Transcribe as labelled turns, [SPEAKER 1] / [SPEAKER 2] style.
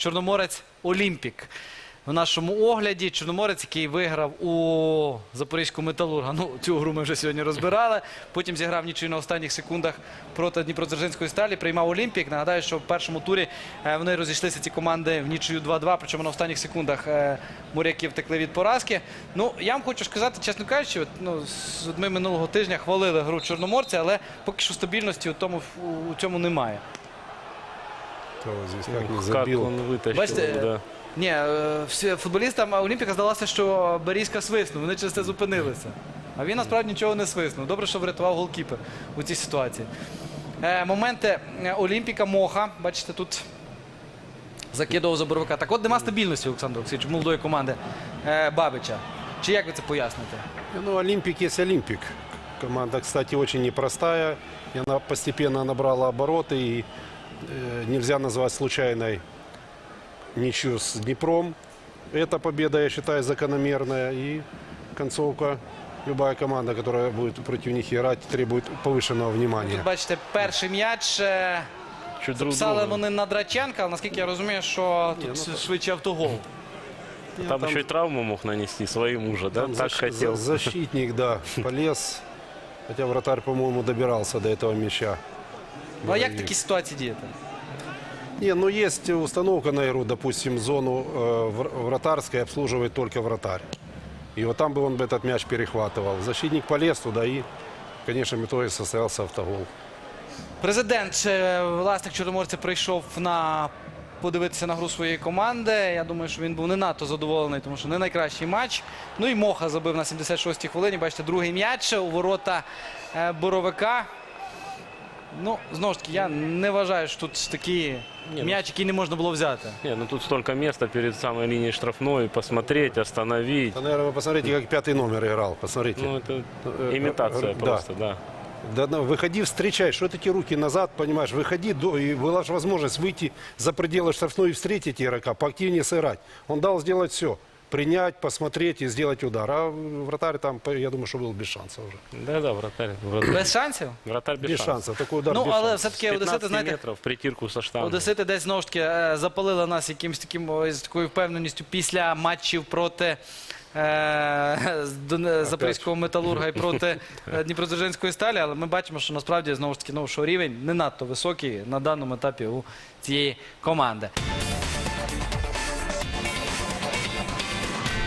[SPEAKER 1] Чорноморець Олімпік. В нашому огляді Чорноморець, який виграв у Запорізького Металурга. Ну, цю гру ми вже сьогодні розбирали. Потім зіграв нічию на останніх секундах проти Дніпродзержинської сталі. Приймав Олімпік. Нагадаю, що в першому турі вони розійшлися, ці команди, в нічию 2-2. Причому на останніх секундах моряки втекли від поразки. Ну, я вам хочу сказати, чесно кажучи, ми минулого тижня хвалили гру Чорноморця, але поки що стабільності у цьому немає.
[SPEAKER 2] Как он вытащил,
[SPEAKER 1] Бачите,
[SPEAKER 2] да.
[SPEAKER 1] Ні, футболістам Олімпіка здалося, що Берізька свиснув, вони через це зупинилися. А він насправді нічого не свиснув. Добре, що врятував голкіпер у цій ситуації. Моменти Олімпіка, Моха, бачите, тут закидував за Боровика. Так от нема стабільності, Олександр Олексійович, молодої команди Бабича. Чи як ви це поясните?
[SPEAKER 3] Ну, Олимпик есть Олимпик. Команда, кстати, очень непростая. И она постепенно набрала обороты. И нельзя назвать случайной ничью с Днепром. Эта победа, я считаю, закономерная. И концовка. Любая команда, которая будет против них играть, требует повышенного внимания.
[SPEAKER 1] Тут, бачите, перший м'яч. Записали вони на Драченка, але наскільки я розумію, що тут швидше автогол.
[SPEAKER 2] Там еще и травму мог нанести своим уже, да? Так хотел.
[SPEAKER 3] Защитник, да, полез. Хотя вратарь, по-моему, добирался до этого мяча.
[SPEAKER 1] Ну а як в такій ситуації діяти?
[SPEAKER 3] Не, ну есть установка на игру, допустим, зону вратарской обслуживает только вратарь. И вот там бы он этот мяч перехватывал. Защитник полез туда и, конечно, в итоге состоялся автогол.
[SPEAKER 1] Президент, власник Чорноморця, прийшов подивитися на гру своєї команди. Я думаю, що він був не надто задоволений, тому що не найкращий матч. Ну і Моха забив на 76-й хвилині. Бачите, другий м'яч у ворота Боровика. Ну, знову ж таки, я не вважаю, що тут такий м'яч, який не можна було взяти.
[SPEAKER 2] Не, ну тут столько места перед самой линией штрафной, посмотреть, остановить.
[SPEAKER 3] Да, наверное, вы посмотрите, как пятый номер играл. Посмотрите.
[SPEAKER 2] Ну, это имитация просто, да.
[SPEAKER 3] Да, выходи, встречай, что эти руки назад, понимаешь, выходи, и была же возможность выйти за пределы штрафной и встретить игрока, поактивнее сыграть. Он дал сделать все, принять, посмотреть и сделать удар. А вратарь там, я думаю, что был без шансов уже.
[SPEAKER 2] Да, вратарь.
[SPEAKER 1] Без шансів?
[SPEAKER 2] Вратарь без
[SPEAKER 3] Без
[SPEAKER 2] шансов.
[SPEAKER 3] шансов, такой удар
[SPEAKER 1] Ну,
[SPEAKER 3] без
[SPEAKER 1] але
[SPEAKER 3] шансов.
[SPEAKER 1] все-таки
[SPEAKER 2] 15
[SPEAKER 1] одесити, знаєте,
[SPEAKER 2] метров, притирку со штангой.
[SPEAKER 1] одесити десь знову ж таки запалили нас якимось таким, з такою впевненістю після матчів проти Запорізького Металурга і проти Дніпродзержинської сталі, але ми бачимо, що насправді знову ж таки, що рівень не надто високий на даному етапі у цієї команди.